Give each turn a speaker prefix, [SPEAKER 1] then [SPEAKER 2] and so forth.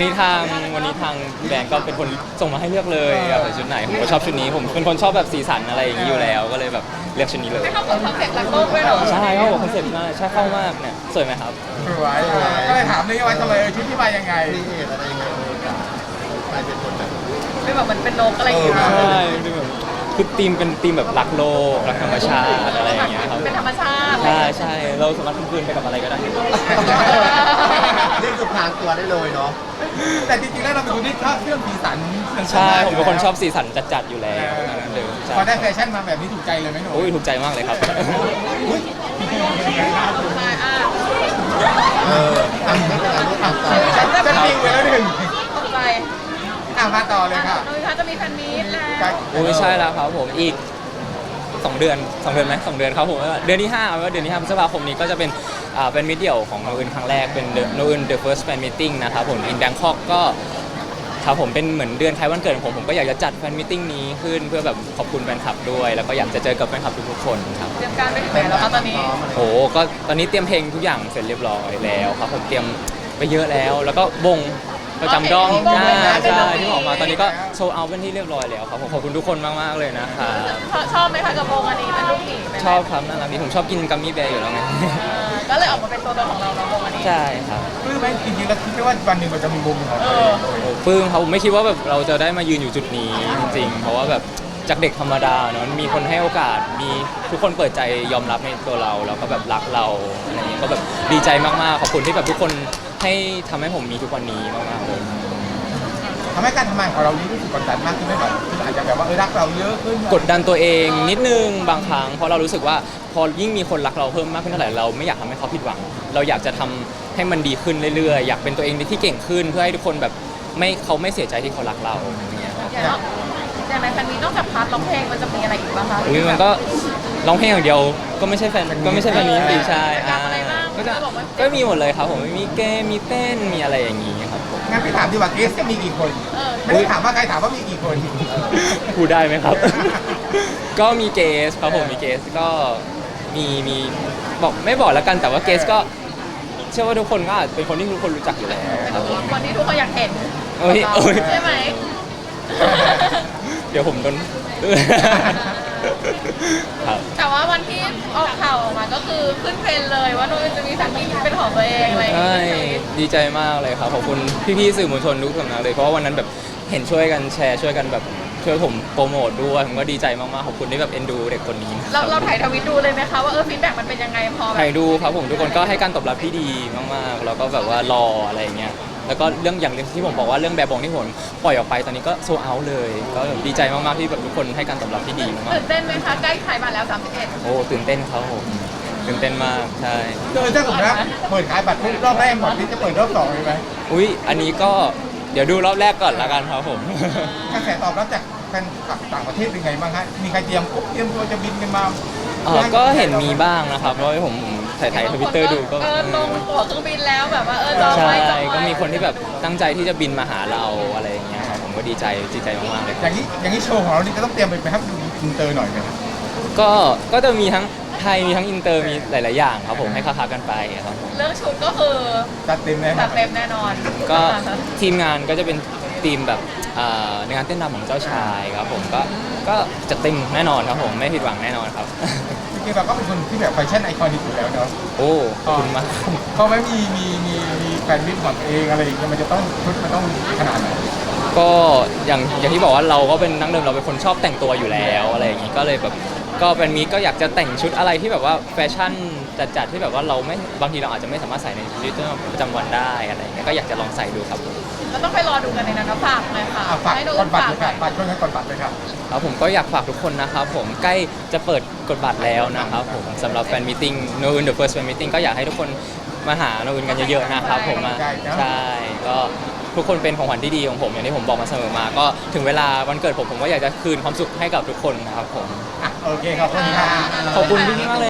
[SPEAKER 1] นี้ทางวันนี้ทางแบรนด์ก็เป็นคนส่งมาให้เลือกเลยอยากใส่ชุดไหนผมก็ชอบชุดนี้ผมเป็นคนชอบแบบสีสันอะไรอย่างนี้อยู่แล้วก็เลยแบบเลือกชุดนี้เลย
[SPEAKER 2] ไม่เข้ากับคอนเซ็ปต์รักโลกด้วยเหรอ
[SPEAKER 1] ใช่เขาบอกคอนเซ็ปต์มากใช่เข้ามากเนี่ยสวยไหมครับ
[SPEAKER 3] สวยก็เลยถามเลยว่าทำไมชุดที่มายังไง
[SPEAKER 4] อะไรยังไงกลายเป็นคนแบบ
[SPEAKER 2] ไม่แบบมันเป็นนกอะไรอย่างเงี้ย
[SPEAKER 1] ใช่คือแบบคือธีมเป็นธีมแบบรักโลกรักธรรมชาติอะไรอย่างเงี้ยครับ
[SPEAKER 2] เป็นธรรมชาติ
[SPEAKER 1] ใช่ใช่เราสามารถคืนไปกับอะไรก็ได้
[SPEAKER 4] นี่คือพรางตัวได้เลยเนาะ
[SPEAKER 3] แต่จริงๆแล้วเราเป็นคนที่ชอบเครื่องสีสัน
[SPEAKER 1] ใช่ผมเป็นคนชอบสีสันจัดๆอยู่แล้ว
[SPEAKER 3] พอได้แฟชั่นมาแบบนี้ถูกใจเลยไหมหนู
[SPEAKER 1] โอ้ยถูกใจมากเลยครับ
[SPEAKER 4] ไม่เป็นไรลูกต่อ
[SPEAKER 3] จะปิงไปแล้วหนึ่ง
[SPEAKER 2] ตกใจ
[SPEAKER 3] มาต่อเลยค่ะ
[SPEAKER 2] นุ้ยคะจะมีแฟนมีตแล้ว
[SPEAKER 1] โอ้ยใช่แล้วครับผมอีก2 เดือนไหม2 เดือนครับผมเดือนที่5ว่าเดือนที่5พฤษภาคมนี้ก็จะเป็นมิตรเดี่ยวของโนอื่นครั้งแรกเป็นโนอื่น The First Fan Meeting นะครับผม in Bangkok ก็ครับผมเป็นเหมือนเดือนท้ายวันเกิดของผมก็อยากจะจัดแฟนมิทติ้งนี้ขึ้นเพื่อแบบขอบคุณแฟนคลับด้วยแล้วก็อยากจะเจอกับแฟนคลับทุกๆคนครับ
[SPEAKER 2] เตรียมการไปถึงไหนแล้วครับตอนนี้
[SPEAKER 1] โอ้ก็ตอนนี้เตรียมเพลงทุกอย่างเสร็จเรียบร้อยแล้วครับผมเตรียมไปเยอะแล้วแล้วก็วงประจำด้อมใช่ที่ออกมาตอนนี้ก็โชว์เอาเป็นที่เรียบร้อยแล้วครับผมขอบคุณทุกคนมากๆเลยนะครับ
[SPEAKER 2] ชอบไหมคะกับวงอันนี้เป็นลูกหมี
[SPEAKER 1] ชอบครับน่ารักดีผมชอบกินกัมมี่แบร์อยู่แล้วไง
[SPEAKER 2] ก็เลยออกมาเป็นตัวตนของเราในวงอันนี้
[SPEAKER 1] ใช่ครับ
[SPEAKER 3] ปลื้มไหมจริงๆแล้วคิดว่าวันหนึ่งมันจะมีวงของเรา
[SPEAKER 1] ปลื้มครับผมไม่คิดว่าแบบเราจะได้มายืนอยู่จุดนี้จริงๆเพราะว่าแบบจากเด็กธรรมดาเนาะมีคนให้โอกาสมีทุกคนเปิดใจยอมรับในตัวเราแล้วก็แบบรักเราอะไรอย่างเงี้ยก็แบบดีใจมากๆขอบคุณที่แบบทุกคนให้ทำให้ผมมีทุกวันนี้มากๆเลย
[SPEAKER 3] ทำให้การทำงานของเรานี้รู้สึกกดดันมากขึ้นไหมแบบอาจจะแบบว่ารักเราเยอะขึ้น
[SPEAKER 1] กดดันตัวเองนิดนึงบางครั้งเพราะเรารู้สึกว่าพอยิ่งมีคนรักเราเพิ่มมากขึ้นเท่าไหร่เราไม่อยากทำให้เขาผิดหวังเราอยากจะทำให้มันดีขึ้นเรื่อยๆอยากเป็นตัวเองที่เก่งขึ้นเพื่อให้ทุกคนแบบเขาไม่เสียใจที่เขารักเราอย่างเงี้ย
[SPEAKER 2] อย่างในแฟนมีนอกจากพาร์ทร้องเพลงมันจะมีอะไรอีกบ้างคะ
[SPEAKER 1] มันก็ร้องเพลงอย่างเดียวก็ไม่ใช่แฟนนี้สิใช่ก็มีหมดเลยครับผมมีเกมมีเต้นมีอะไรอย่างงี้ครับผม
[SPEAKER 3] งั้นพี่ถามดีกว่าเกสจะมีกี่คนไม่ได้ถามว่าใครถามว่ามีกี่คน
[SPEAKER 1] พูดได้ไหมครับก็มีเกสครับผมมีเกสก็มีบอกไม่บอกแล้วกันแต่ว่าเกสก็เชื่อว่าทุกคนก็อาจเป็นคนที่ทุกคนรู้จักอยู่แล้วครับ
[SPEAKER 2] วันนี้ทุกคนอยากเห็นใช่ไหม
[SPEAKER 1] เดี๋ยวผมโดน
[SPEAKER 2] แต่ว่าวันที่ออกข่าวออกมาก็คือขึ้นเทรนเลยว่าโน้ตจะมีสามีเป็นของตัวเองอะไรอย่างเงี้ย
[SPEAKER 1] ดีใจมากเลยครับขอบคุณพี่ๆสื่อมวลชนทุกสำนักเลยเพราะว่าวันนั้นแบบเห็นช่วยกันแชร์ช่วยกันแบบช่วยผมโปรโมทด้วยผมก็ดีใจมากๆขอบคุณที่แบบเอ็นดูเด็กคนนี้
[SPEAKER 2] เราถ่ายทวิตดูเลยไหมคะว่าฟีดแบ็กมันเป็นยังไงพอ
[SPEAKER 1] ถ่ายดูครับผมทุกคนก็ให้การตอบรับที่ดีมากๆแล้วก็แบบว่ารออะไรอย่างเงี้ยแล้วก็เรื่องอย่างที่ผมบอกว่าเรื่องแบบบองที่ผมปล่อยออกไปตอนนี้ก็โซเอาเลยก็ดีใจมากๆที่แบบทุกคนให้การตอบรับที่ดีมาก
[SPEAKER 2] ๆตื่นเต้นไหมคะใกล้ขายบัตรแล้ว31
[SPEAKER 1] โอ้ตื่นเต้นครับผมตื่นเต้นมากใช่
[SPEAKER 3] ถ้าสมมติว่าเปิดขายบัตรรอบแรกหมดนี่จะเปิดรอบ2เลยไหม
[SPEAKER 1] อุ้ยอันนี้ก็เดี๋ยวดูรอบแรกก่อนละกันครับผม
[SPEAKER 3] กระแสตอบรับจากแฟนคลับต่างประเทศเป็นไงบ้างฮะมีใครเตรียมตัวจะบินกันมา
[SPEAKER 1] ก็เห็นมีบ้างนะครับเพราะว่าผมถ่ายทวิตเตอร์ดูก็
[SPEAKER 2] ลงตั๋วเครื่องบินแล้วแบบว่า
[SPEAKER 1] จองไว้ก็มีคนที่แบบตั้งใจที่จะบินมาหาเราอะไรอย่างเงี้ยครับผมก็ดีใจมากๆเลย
[SPEAKER 3] อย่างนี้โชว์ของเรานี่จะต้องเตรียมไปให้ดูอินเตอร์หน่อยไหมครับ
[SPEAKER 1] ก็จะมีทั้งไทยมีทั้งอินเตอร์มีหลายๆอย่างครับผมให้ค้ากันไปครับ
[SPEAKER 2] เรื่องชุดก็คือ
[SPEAKER 3] จัดเต็มแ
[SPEAKER 2] น่นอน
[SPEAKER 1] ก็ทีมงานก็จะเป็นทีมแบบในงานเต้นรำของเจ้าชายครับผมก็จะเต็มแน่นอนครับผมไม่ผิดหวังแน่นอนครับ
[SPEAKER 3] จริงๆเราก็เป็นคนที่แบบแฟชั่นไอคอนิกอยู่แล้วเนาะ
[SPEAKER 1] โอ้ขอบคุณมาก
[SPEAKER 3] เพราะไม่มีแฟนมิตรของเองอะไรอย่างเงี้ยมันจะต้องชุดมันต้องขนาดไหน
[SPEAKER 1] ก็อย่างที่บอกว่าเราก็เป็นนักเดิมเราเป็นคนชอบแต่งตัวอยู่แล้วอะไรอย่างงี้ก็เลยแบบก็เป็นมีก็อยากจะแต่งชุดอะไรที่แบบว่าแฟชั่นจัดที่แบบว่าเราไม่บางทีเราอาจจะไม่สามารถใส่ในชีวิตประจำวันได้อะไรอย่างเงี้ยก็อยากจะลองใส่ดูครับ
[SPEAKER 2] เราต้องไปรอดูกันในนั้นนะฝากเลยค่ะ
[SPEAKER 3] ฝากกดบัตรเลยค่ะฝากช่วยกันกดบัตรเลยครับ
[SPEAKER 1] ผมก็อยากฝากทุกคนนะครับผมใกล้จะเปิดกดบัตรแล้วนะครับผมสำหรับแฟนมิทติ้ง No Un The First Fan Meeting ก็อยากให้ทุกคนมาหา No Un กันเยอะๆนะครับผมใช่ก็ทุกคนเป็นของขวัญที่ดีของผมอย่างที่ผมบอกมาเสมอมาก็ถึงเวลาวันเกิดผมก็อยากจะคืนความสุขให้กับทุกคนนะครับผม
[SPEAKER 3] โอเคขอบคุณค่ะ
[SPEAKER 1] ขอบคุณพี่มากเลย